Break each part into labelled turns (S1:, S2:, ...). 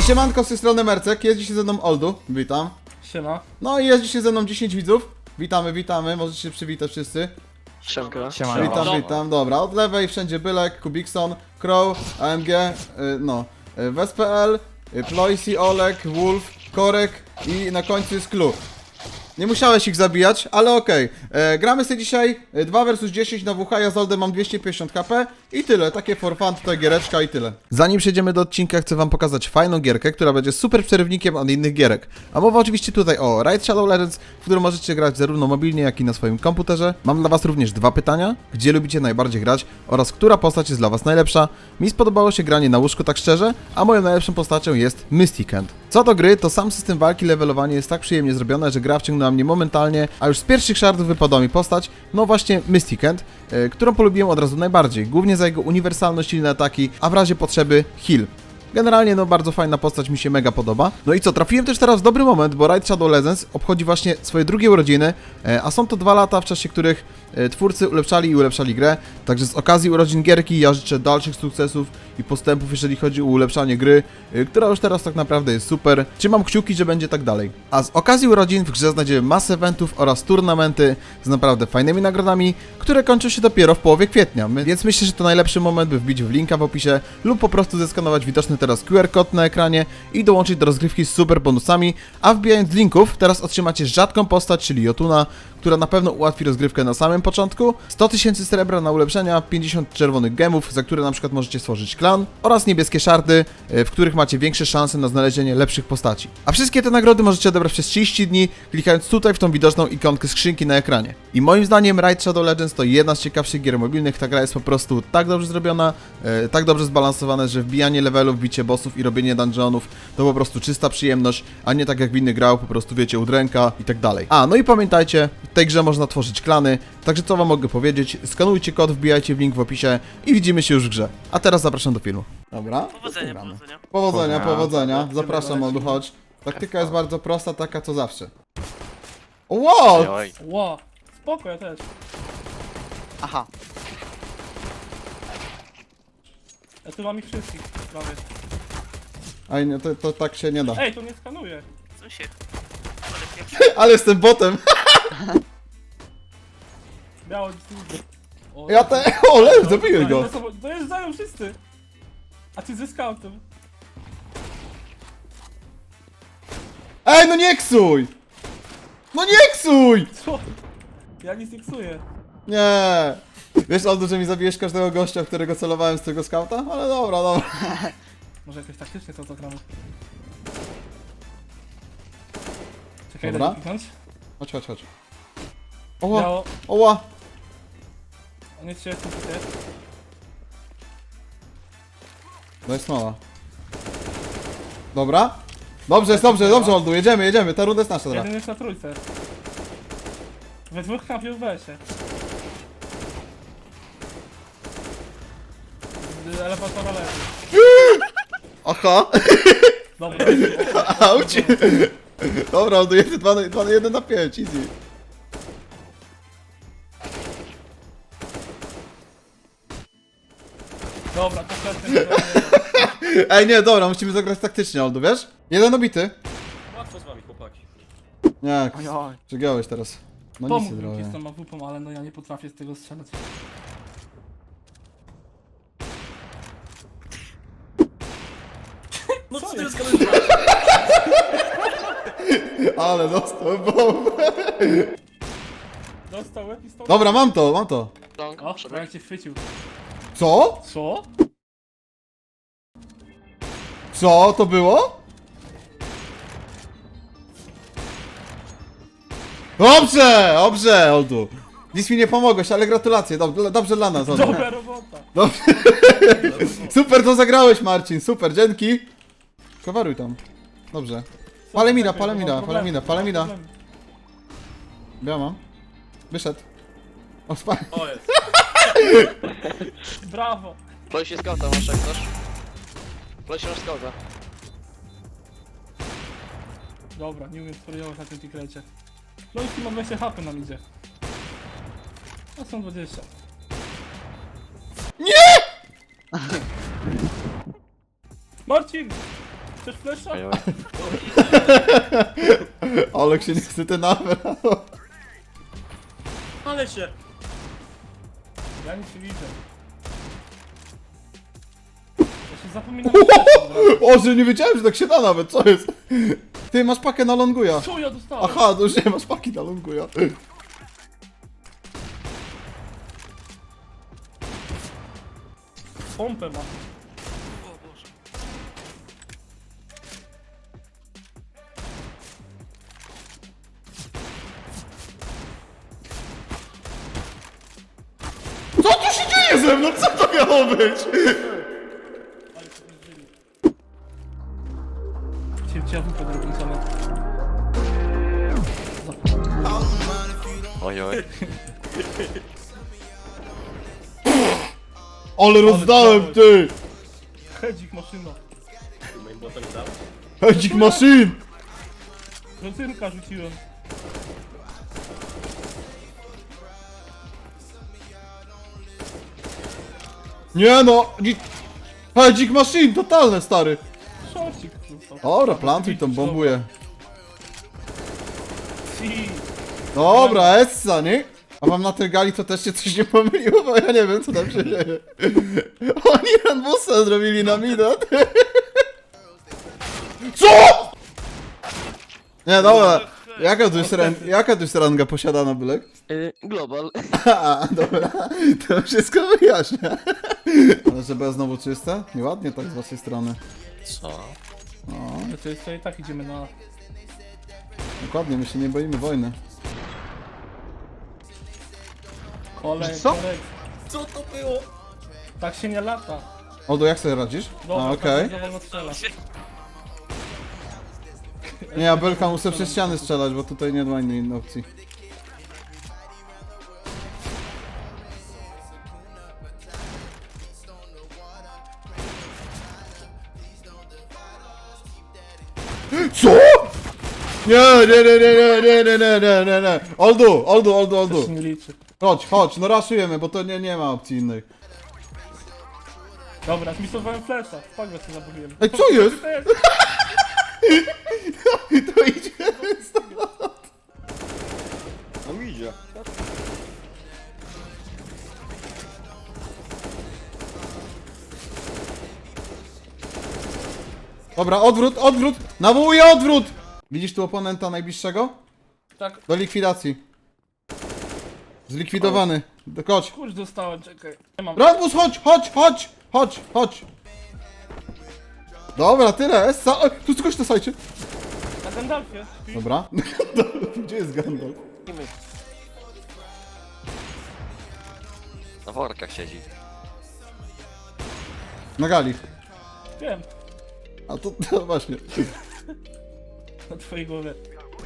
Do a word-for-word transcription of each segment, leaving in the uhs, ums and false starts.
S1: siemanko, z tej strony Mercek, jeździ się ze mną Oldu, witam.
S2: Siema.
S1: No i jeździ się ze mną dziesięć widzów, witamy, witamy, możecie się przywitać wszyscy.
S3: Siemka.
S2: Siema.
S1: Witam,
S2: Siema.
S1: witam, dobra, od lewej wszędzie Bylek, Kubikson, Crow, A M G, y, no, y, Wes.pl, y, Ploisi, Olek, Wolf, Korek i na końcu jest Clue. Nie musiałeś ich zabijać, ale okej. Okay. Gramy sobie dzisiaj dwa versus dziesięć na W H, ja z Oldem mam dwieście pięćdziesiąt H P i tyle, takie for fun, tutaj giereczka i tyle. Zanim przejdziemy do odcinka, chcę wam pokazać fajną gierkę, która będzie super przerywnikiem od innych gierek. A mowa oczywiście tutaj o Raid Shadow Legends, w którym możecie grać zarówno mobilnie, jak i na swoim komputerze. Mam dla was również dwa pytania, gdzie lubicie najbardziej grać oraz która postać jest dla was najlepsza. Mi spodobało się granie na łóżku tak szczerze, a moją najlepszą postacią jest Mysticant. Co do gry, to sam system walki, levelowanie jest tak przyjemnie zrobione, że gra wciągnęła mnie momentalnie, a już z pierwszych shardów wypadła mi postać, no właśnie Mysticant, yy, którą polubiłem od razu najbardziej, głównie za jego uniwersalność, silne ataki, a w razie potrzeby heal. Generalnie no bardzo fajna postać, mi się mega podoba. No i co, trafiłem też teraz w dobry moment, bo Raid Shadow Legends obchodzi właśnie swoje drugie urodziny, a są to dwa lata, w czasie których twórcy ulepszali i ulepszali grę. Także z okazji urodzin gierki ja życzę dalszych sukcesów i postępów, jeżeli chodzi o ulepszanie gry, która już teraz tak naprawdę jest super. Trzymam kciuki, że będzie tak dalej. A z okazji urodzin w grze znajdziemy masę eventów oraz turnamenty z naprawdę fajnymi nagrodami, które kończą się dopiero w połowie kwietnia. Więc myślę, że to najlepszy moment, by wbić w linka w opisie lub po prostu zeskanować widoczny teraz Q R kod na ekranie i dołączyć do rozgrywki z super bonusami, a wbijając linków teraz otrzymacie rzadką postać, czyli Jotuna, która na pewno ułatwi rozgrywkę na samym początku, sto tysięcy srebra na ulepszenia, pięćdziesiąt czerwonych gemów, za które na przykład możecie stworzyć klan, oraz niebieskie szardy, w których macie większe szanse na znalezienie lepszych postaci. A wszystkie te nagrody możecie odebrać przez trzydzieści dni, klikając tutaj w tą widoczną ikonkę skrzynki na ekranie. I moim zdaniem Raid Shadow Legends to jedna z ciekawszych gier mobilnych, ta gra jest po prostu tak dobrze zrobiona, e, tak dobrze zbalansowane, że wbijanie levelów, bicie bossów i robienie dungeonów to po prostu czysta przyjemność, a nie tak jak w innych grach, po prostu wiecie, udręka i tak dalej. A, no i pamiętajcie, w tej grze można tworzyć klany, także co wam mogę powiedzieć, skanujcie kod, wbijajcie w link w opisie i widzimy się już w grze. A teraz zapraszam do filmu. Dobra.
S3: Powodzenia, powodzenia.
S1: Powodzenia,
S2: Powodzenia.
S1: powodzenia. Zapraszam, Oldu, chodź. Taktyka jest bardzo prosta, taka co zawsze. O, wow!
S3: Oj.
S2: Ło, spoko, ja też.
S3: Aha.
S2: Ja tu mam ich wszystkich prawie.
S1: Ej, nie, to, to tak się nie da.
S2: Ej, to nie skanuje.
S3: Co się?
S1: Ale jestem botem.
S2: Biało dziś. O,
S1: Ja te... O, lew, zabiję go.
S2: Dojeżdżają wszyscy. A ty ze scoutem.
S1: Ej, no nie ksuj! No nie ksuj!
S2: Co? Ja nic nie ksuję.
S1: Nie. Wiesz, Oldu, że mi zabijesz każdego gościa, w którego celowałem z tego skauta? Ale dobra, dobra.
S2: Może jakoś taktycznie to zagramy. Czekaj,
S1: Dobra.
S2: daj mi kliknąć.
S1: Chodź, chodź, chodź. Oła,
S2: Biało.
S1: oła.
S2: On jest się jestem tutaj.
S1: No jest mała. Dobra. Dobrze, jest dobrze, dobrze, Oldu, jedziemy, jedziemy, ta runda jest nasza teraz.
S2: Jeden jest na trójce. We dwóch kampiów w besie. Z elevatora leży.
S1: Aha.
S2: Dobra.
S1: Auć. Dobra, Oldu, jeden, dwa, dwa, jeden na pięć, easy.
S2: Dobra, to pewnie.
S1: Ej, nie, dobra, musimy zagrać taktycznie, Oldu, wiesz? Jeden obity.
S4: Łatwo z wami, chłopaki.
S1: Nie,
S3: Oj, oj.
S1: przegiąłeś teraz. No nic nie
S2: Pomógł mi
S1: zrobię.
S2: z tą awupą, ale no ja nie potrafię z tego strzelać.
S4: No
S2: Co
S4: co ty
S2: jest?
S4: jest?
S1: Ale dostał bombę.
S2: Dostał łeb i stał.
S1: Dobra, mam to, mam to.
S3: Long,
S2: O,
S3: przebieg.
S2: jak cię chwycił.
S1: Co?
S2: Co?
S1: Co to było? Dobrze, dobrze, Oldu. Nic mi nie pomogłeś, ale gratulacje, dobrze, dobrze dla nas, Oldu.
S2: Dobra robota.
S1: Dobrze. Super to zagrałeś, Marcin, super, dzięki. Coveruj tam. Dobrze. Palę mina, palę mina, palę mina, palę mina. Ja mam. Wyszedł. O, spa...
S4: O jest.
S2: Brawo.
S3: Ploisi skauta masz jak chcesz. Ploisi masz skauta.
S2: Dobra, nie umiem spariować na tym tikrecie. No i ma dwadzieścia H P nam idzie. A są dwadzieścia.
S1: Nie!
S2: Marcin! Chcesz flesza?
S3: Oj, oj.
S1: Olek się niestety nabrał.
S4: Ale się!
S2: Ja nic nie widzę. Ja się zapominam flesza od razu.
S1: O, że nie wiedziałem, że tak się da nawet, co jest? Ty, masz pakę na longuja.
S2: Co ja dostałem?
S1: Aha, to już nie masz paki na longuja.
S2: Pompę ma.
S1: Co tu się dzieje ze mną? Co to miało być?
S2: Ale to nie żyli. Cię w dupę drobnicone.
S3: Oj, oj.
S1: Ale rozdałem, ty!
S2: Hedzik maszyna.
S4: Moim botem dał?
S1: Hedzik maszyn!
S2: Procyrka rzuciłem.
S1: Nie no! dzi- Hedzik maszyn, totalne, stary!
S2: Szorcik został.
S1: Dobra, plantuj tą bombuje.
S2: Si.
S1: Dobra, Essa, nie? A wam na tej gali to też się coś nie pomyliło, bo ja nie wiem, co tam się dzieje. Oni Ranbusa zrobili na mida. Co?! Nie, dobra. Jaka tu jest, ran- jaka tu jest ranga posiadana, Bylek?
S3: Y, global.
S1: A, dobra. To wszystko wyjaśnia. Ale że bez znowu czyste? Nieładnie tak z waszej strony.
S3: Co?
S1: No,
S2: No to jest to i tak idziemy na...
S1: dokładnie, my się nie boimy wojny.
S2: Kolej,
S1: Co?
S2: kolej.
S4: Co to było?
S2: Tak się nie lata.
S1: Odo, jak sobie radzisz?
S2: Dobra,
S1: A, okej.
S2: tak wolno strzela.
S1: Nie, ja Belka muszę przez ściany strzelać, bo tutaj nie ma innej opcji. Co?! Nie, nie, nie, nie, nie, nie, nie, nie, nie, nie. Oldu, Oldu, Oldu,
S2: To
S1: Oldu.
S2: się nie liczy.
S1: Chodź, chodź, no raszujemy, bo to nie, nie ma opcji innej.
S2: Dobra, zmisowałem flesza. Spagwę sobie zabawiłem.
S1: Ej, co jest?
S2: To jest?
S1: To idzie.
S4: No idzie.
S1: Dobra, odwrót, odwrót! Nawołuję odwrót! Widzisz tu oponenta najbliższego?
S2: Tak,
S1: Do likwidacji. Zlikwidowany. Do- Chodź.
S2: kurz dostałem, czekaj. Nie mam.
S1: Rambus, chodź, chodź, chodź! Chodź, chodź! Dobra, tyle. Essa. O, tu coś na sajcie.
S2: Na Gandalfie. śpi.
S1: Dobra. Gdzie jest Gandalf?
S3: Na workach siedzi.
S1: Na gali.
S2: Wiem.
S1: A to, to właśnie.
S2: Na twojej głowie.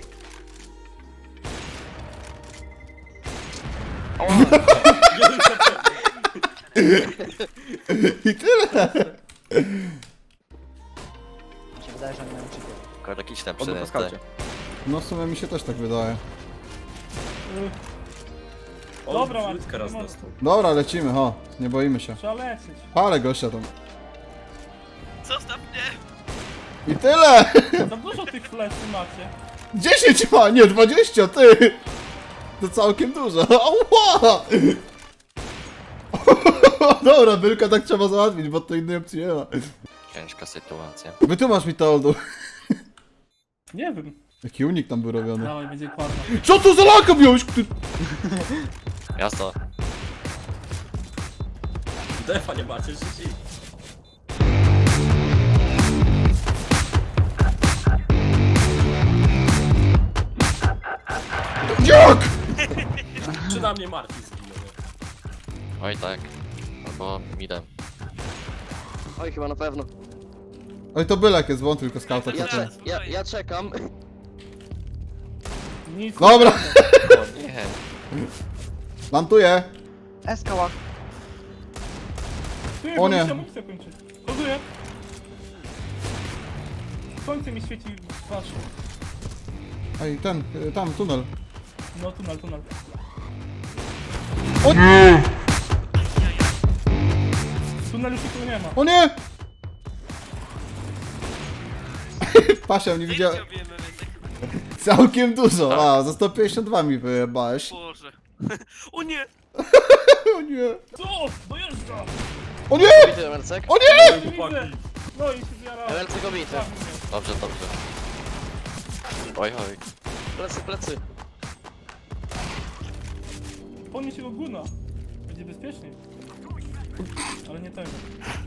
S1: I tyle.
S5: Mi się wydaje, że oni mają cheaty.
S3: Korek idź tam
S4: Odo po
S3: przynętę.
S4: skaucie.
S1: No w sumie mi się też tak wydaje.
S4: O,
S2: Dobra, Marcin,
S4: Marcin, raz
S2: nie
S4: dostał.
S1: Dobra, lecimy, ho. Nie boimy się.
S2: Trzeba lecieć.
S1: Palę gościa tam. Zostaw mnie! I tyle!
S2: Za dużo tych fleszy macie.
S1: dziesięć ma, nie dwadzieścia, ty! To całkiem dużo. Ała! Dobra, Bylka tak trzeba załatwić, bo to innej opcji nie ma.
S3: Ciężka sytuacja.
S1: Wytłumacz mi to, Oldu.
S2: Nie wiem.
S1: Jaki unik tam był robiony.
S2: Dawaj, będzie kładna.
S1: Co to za laka miałeś? Ty...
S3: Jasno.
S4: Defa nie macie, życi.
S1: Jak?
S4: Czy na mnie Marcin zginął?
S3: Oj tak. Albo midem.
S6: Oj, chyba na pewno.
S1: Oj, to Bylek jest, bo on tylko skauta
S6: Ja,
S1: czeka.
S6: cze ja, ja czekam.
S2: Nic.
S1: Dobra,
S3: O nie.
S1: plantuję.
S5: Eskała.
S2: Ty,
S1: O
S2: bo
S1: nie.
S2: mi się amunicja kończy. Koduję. Słońce mi świeci w twarz.
S1: Ej, ten, y, tam, tunel.
S2: No, tunel, tunel.
S1: O nie!
S2: W tunelu się tu nie ma.
S1: O nie! Pasia, nie widziałem.
S7: Zdjęcia wiemy, więc tak,
S1: Całkiem dużo. A, za sto pięćdziesiąt dwa mi wyjebałeś.
S7: Boże. O nie!
S1: O nie.
S2: Co? Dojeżdża!
S1: O nie!
S6: Bity Emercek.
S1: O nie!
S2: Nie widzę! No i się zjara.
S6: Emercek obity.
S3: Dobrze, dobrze. Oj, oj.
S6: Plecy, plecy.
S2: Podnieś jego guna. Będzie bezpieczniej. Ale nie tego.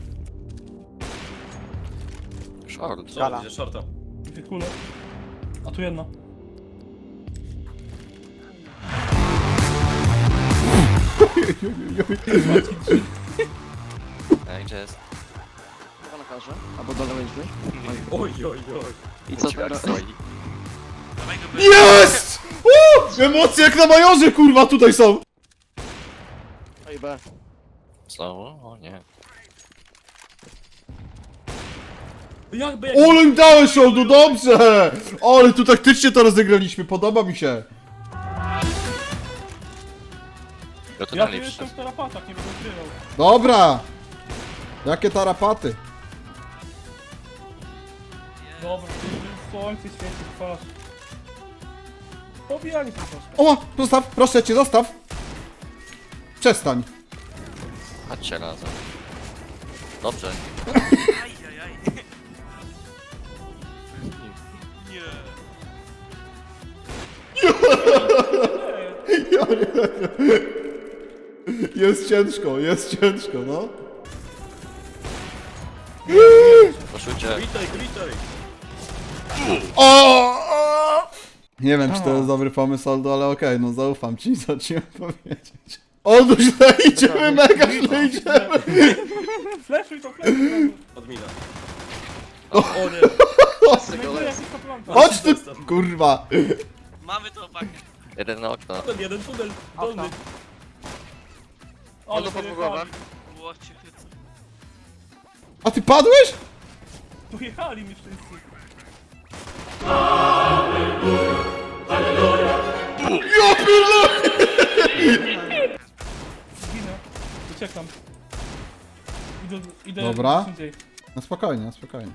S3: Short.
S4: Co, widzę shorta.
S2: Dwie kule. A tu jedna.
S3: Ej, gdzie jest?
S6: Chyba na karze. Albo dole drzwi.
S4: Oj, oj, oj.
S6: I co
S3: Drzwiach
S6: teraz?
S3: stoi.
S7: Dawaj go by...
S1: Jest! Uuu! Emocje jak na majorze, kurwa, tutaj są!
S6: Oj, B.
S3: Znowu? O nie.
S4: Jakby jak...
S1: Ole im dałeś, Oldu, dobrze! Ale tu taktycznie to rozegraliśmy, podoba mi się.
S3: Ja to
S2: Ja tu
S3: dalej
S2: jestem
S3: przyszedł.
S2: w tarapatach, nie będę ukrywał.
S1: Dobra! Jakie tarapaty?
S2: Dobra, słońce świeci w twarz. Pobijali się troszkę.
S1: O, zostaw, proszę cię, zostaw! Przestań.
S3: Chodźcie razem. Dobrze.
S7: Ajajaj. Nie.
S1: Jest ciężko, jest ciężko, no.
S3: Poszujcie.
S4: Witaj, witaj.
S1: O! o! Nie wiem, czy to jest dobry pomysł, Oldu, ale okej, no zaufam ci, co ci mam powiedzieć. Oldu, źle idziemy, mega źle idziemy!
S2: Fleszuj to, fleszuj to.
S4: Odmina. O, o nie.
S6: Plecy go
S2: Będzie
S6: les.
S2: jakiś kaplanta.
S1: Chodź tu, kurwa!
S7: Mamy to opakę.
S3: Jeden na okno.
S4: Ten jeden tunel dolny.
S2: Ale
S6: Oldu pod
S2: pojechali.
S6: głowę.
S7: Łocie chyca.
S1: A ty padłeś?
S2: Pojechali mi wszyscy.
S1: Ja pierdolę!
S2: Zginę. Uciekam. Idę, idę
S1: Dobra.
S2: gdzieś indziej.
S1: No spokojnie, no spokojnie.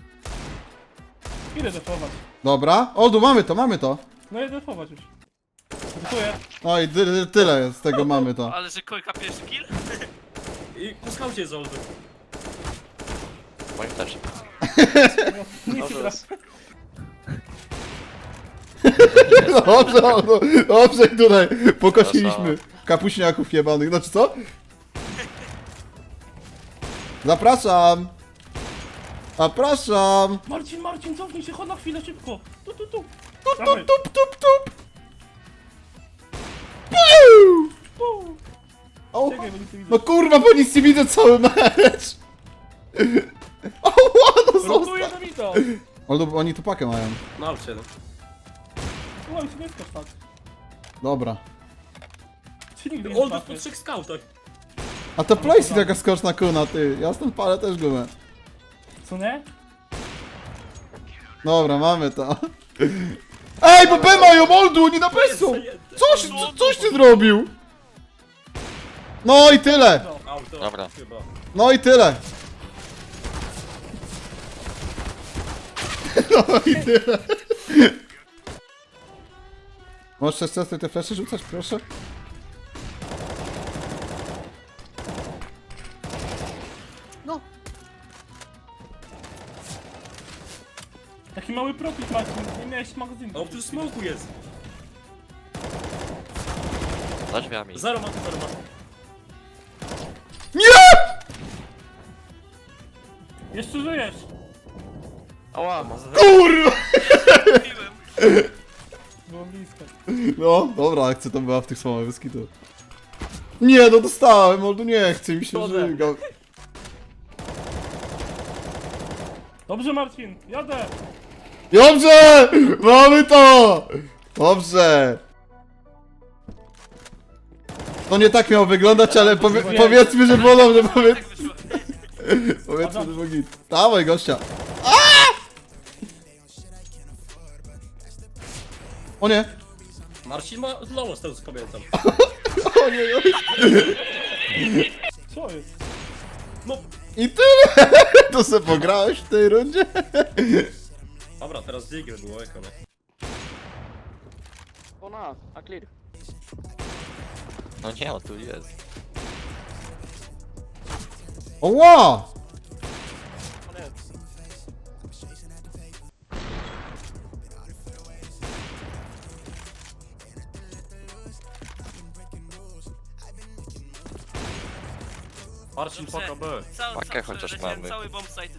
S2: Idę defować.
S1: Dobra, Oldu, mamy to, mamy to.
S2: No idę defować już. Dziękuję.
S1: No i ty, tyle z tego mamy to.
S7: Ale że Kojka pierwszy kill?
S4: I po skaucie z Oldy.
S3: Moim też.
S2: Nic
S6: Dobrze
S2: nie
S6: les.
S1: Dobrze, Oldu, dobrze tutaj pokosiliśmy kapuśniaków jebanych, znaczy co? Zapraszam! Zapraszam!
S2: Marcin, Marcin, cofnij się, chodź na chwilę, szybko. Tu, tu, tu.
S1: Tup,
S2: Dawaj.
S1: tup, tup, tup, tup! Piu!
S2: Tu.
S1: O,
S2: Czekaj, bo nic nie widzę.
S1: no kurwa, bo nic nie widzę cały mecz! O, no
S2: Rotuję
S1: zostaw!
S2: do mito.
S1: Oldu, bo oni tu pakę mają.
S4: No, ale siedem.
S2: Słuchaj, się nie skacz tak.
S1: Dobra.
S2: Czy nigdy nie
S4: Oldy po
S2: trafię?
S4: trzech skautach.
S1: A to Playsy taka skoczna kuna, ty. Ja stąd palę też gumę.
S2: Co nie?
S1: Dobra, mamy to. Ej, bo B mają, Oldu, oni na B są!
S4: Zajęte.
S1: Coś, co, coś ty zrobił? No i tyle!
S2: No.
S4: Auto.
S3: Dobra.
S4: Chyba.
S1: No i tyle! No i tyle! Możesz jeszcze raz te flesze rzucać, proszę?
S2: Taki mały profit, Marcin. Nie miałeś magazynu.
S4: O, tu smoku jest.
S3: Za drzwiami.
S4: Zero ma, zero ma.
S1: Nie!
S2: Jeszcze żyjesz.
S6: Ała.
S1: Kurwa!
S7: Piłem.
S2: Było blisko.
S1: No, dobra, akcja to była w tych słowach wyskitu. Nie, no dostałem, Oldu, nie chce mi się
S2: Szkoda.
S1: żyga.
S2: Dobrze, Marcin, jadę.
S1: Dobrze! Mamy to! Dobrze! To nie tak miało wyglądać, ale powie, powiedzmy, że bolą, że powiedz,
S7: Tak wyszło.
S1: powiedzmy, że było git. Dawaj, gościa. A! O nie!
S4: Marcin ma znowu z tego co pamiętam.
S1: O nie, o nie.
S2: Co jest?
S4: No,
S1: I tyle! To se pograłeś w tej rundzie?
S4: Dobra, teraz Digger było eko, nie?
S6: Ona, a clear.
S8: No nie, on tu jest.
S1: Oła!
S6: On jest.
S4: Marcin, paka B.
S7: Cały,
S8: Pakę
S7: cały,
S8: chociaż
S7: przeleciałem
S8: mamy.
S7: cały bomb site.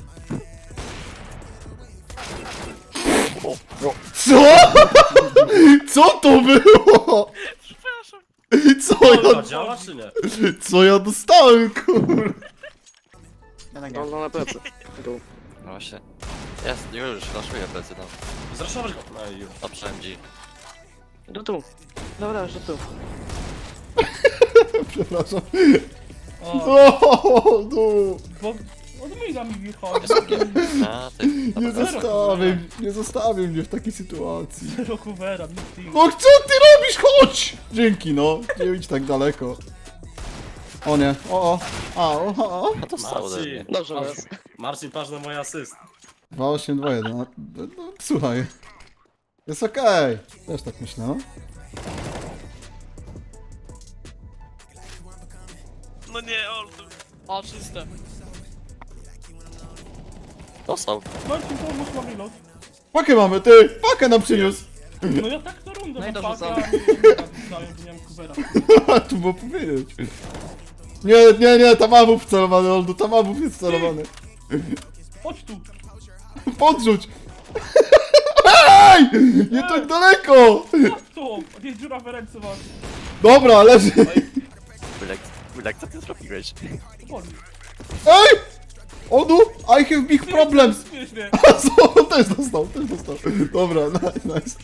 S1: Co? Co to było?
S7: Przepraszam.
S1: Co ja,
S4: Dobra, działa czy nie?
S1: co ja dostałem, kur...
S5: Jednak
S6: No,
S5: nie.
S6: no na plecy. Tu.
S8: No właśnie. Jest, już, flaszuję plecy, no.
S4: Zraszować go. No i już.
S8: Dobrze, M G.
S6: Do tu. Dobra, że tu.
S1: Przepraszam.
S2: O,
S1: O, no.
S2: bo od mida mi wychodzi.
S8: A, ty.
S1: Nie
S8: Dobra,
S1: zostawię, nie zostawię mnie w takiej sytuacji.
S2: Zero coovera, nic team.
S1: No co ty robisz? Chodź! Dzięki, no. Nie idź tak daleko. O nie, o, o. A, o, o, o.
S8: a to stało ode mnie.
S4: Marcin,
S6: Dobrze,
S4: Marcin,
S6: jest.
S4: Marcin, patrz na mój asyst.
S1: dwa osiem dwa jeden. No, no, słuchaj. Jest okej. Też tak myślę, no.
S7: No nie, Oldu. O, czyste.
S8: Dostał.
S2: Marcin, pomóż mam reload.
S1: Pakę mamy, ty! Pakę nam przyniósł!
S2: No ja tak to rundę
S6: No i
S2: mam
S6: dobrze,
S2: pakę, a nie nie znałem, bo nie mam coovera.
S1: Tu było powiedzieć. Nie, nie, nie, tam awów celowany, Oldu, tam awów jest celowany.
S2: Chodź tu.
S1: Podrzuć! Ej! Nie tak daleko!
S2: Chodź tu. Nie dziura w ręce masz.
S1: Dobra, leży.
S8: Kulek, Kulek, co ty zrobiłeś?
S2: Boli.
S1: Ej! Oldu, I have big problems.
S2: Śmiesznie.
S1: A co? On też dostał, też dostał. Dobra, nice, nice.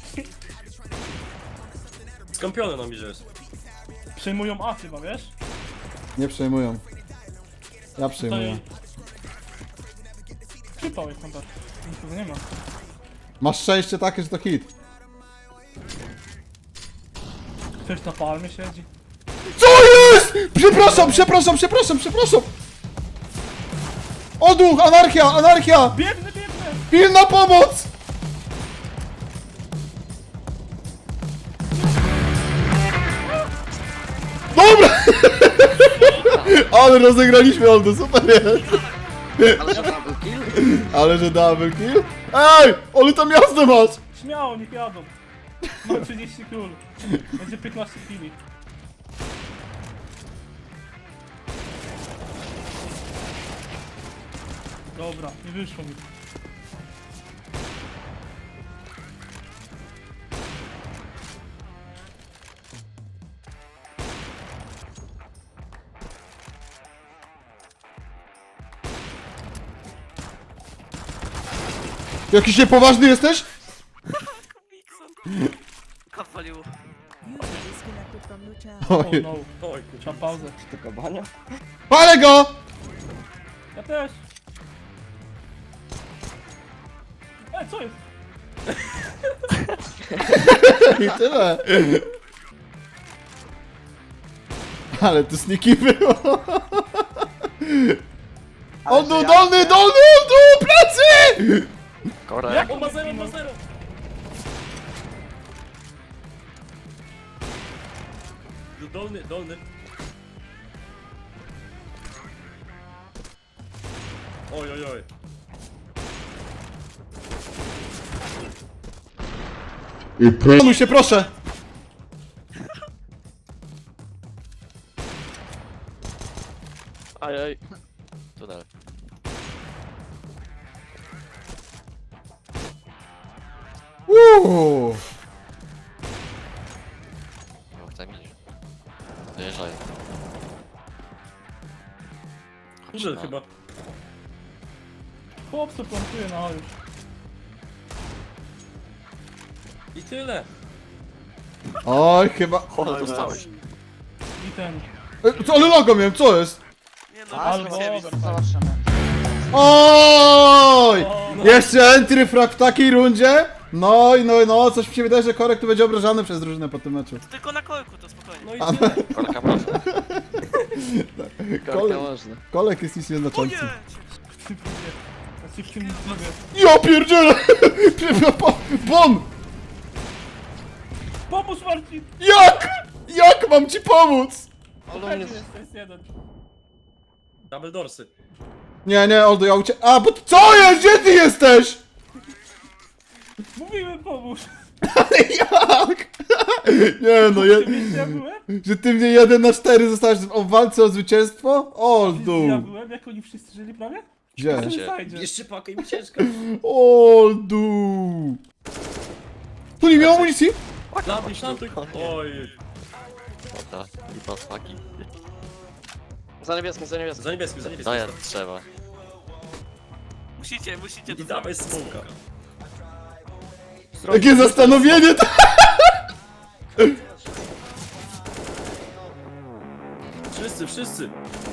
S4: Skąpiony nam idzie.
S2: Przejmują A chyba, wiesz?
S1: Nie przejmują. Ja przejmuję.
S2: Tutaj... Przypał jest tam tak. Nikogo nie ma.
S1: Masz szczęście takie, że to hit.
S2: Ktoś na palmie siedzi.
S1: Co jest? Przepraszam, przepraszam, przepraszam, przepraszam. Odruch, anarchia, anarchia!
S2: Biegnę, biegnę!
S1: Pilna pomoc! Dobra! Ale rozegraliśmy Oldu, super jest!
S6: Ale że double kill?
S1: Ale że double kill? Ej! Ale tam jazdę masz!
S2: Śmiało, niech jadą. Mam trzydzieści król. Będzie piętnaście chwili. Dobra, nie wyszło mi.
S1: Jakiś niepoważny jesteś?
S7: Kapaliło.
S9: Disconnected from your channel.
S2: Oh
S1: Oj,
S2: no,
S4: Oj, kurczę.
S2: trzeba pauzę.
S1: palę go!
S2: Ja też. Ej, co jest?
S1: I tyle. Ale to sniki było.
S5: Ale
S1: Oldu,
S5: że ja-
S1: dolny, dolny, Oldu, plecy!
S8: Korek.
S2: Jak
S4: O, ma zero, ma zero. Dolny, dolny. Oj, oj, oj.
S1: Panuj się, proszę!
S6: Ajaj.
S8: Tunel.
S1: Uuu.
S8: Nie chcę mi. Dojeżdżają.
S4: Kurze chyba.
S2: Chłop co plantuje na A już.
S4: I tyle.
S1: Oj, chyba...
S8: O, dostałeś.
S2: I ten.
S1: E, co, ale logo miałem, co jest?
S7: Nie no,
S2: Albo
S7: Albo...
S5: Zobaczymy.
S1: Oj!
S2: O, no.
S1: Jeszcze entry frag w takiej rundzie? No i no, i no, coś mi się wydaje, że Korek tu będzie obrażany przez drużynę po tym meczu.
S7: Tylko na korku to spokojnie.
S4: No i
S1: A,
S4: tyle.
S8: Korka proszę.
S6: Korka
S1: Kolej.
S6: można.
S1: Kolek jest nic
S7: O nie!
S1: nieznaczący.
S2: Ty pójdzie. ci w tym klubie.
S1: Ja pierdzielę! Bon!
S2: Pomóż Marcin!
S1: Jak? Jak mam ci pomóc?
S2: Fajnie jest, to jest jeden.
S4: Double dorsy.
S1: Nie, nie, Oldo, ja ucie... A, bo... Co jest? Gdzie ty jesteś?
S2: Mówiłem pomóż!
S1: Ale jak? Nie no, je...
S2: Ty wiesz, gdzie ja byłem?
S1: że ty mnie jeden na cztery zostałeś w walce o zwycięstwo?
S2: Wiesz, gdzie ja
S1: Oldu!
S2: byłem, jak oni wszyscy żyli prawie?
S1: Gdzie?
S2: To
S8: Gdzie?
S2: nie fajnie.
S4: Jeszcze pakę i mi ciężko.
S1: Oldu! Tu nie miał amunicji?
S4: Plantuj, plantuj. Oj.
S8: Dobra, lipa smaki.
S6: Za niebieskim, za niebieskim.
S4: Za niebieskim, za
S8: No
S4: niebieskim.
S8: ja trzeba.
S7: Musicie, musicie
S4: I
S7: to
S4: dawaj
S7: zrobić.
S4: smoka.
S1: Jakie zastanowienie to...
S4: Wszyscy, wszyscy.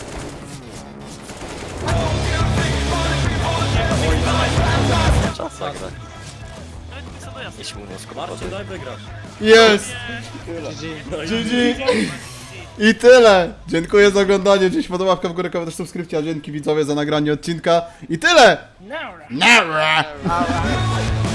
S8: Czas zagrać.
S7: Nawet nie są dojazd.
S8: Idź mu mózg
S4: Marcin, daj wygrać.
S1: Jest!
S4: No i
S1: G G! I tyle! Dziękuję za oglądanie, dziś podoba łapka w górę, komentarz, subskrypcja, dzięki widzowie za nagranie odcinka. I tyle!
S2: Nara.
S1: Nara!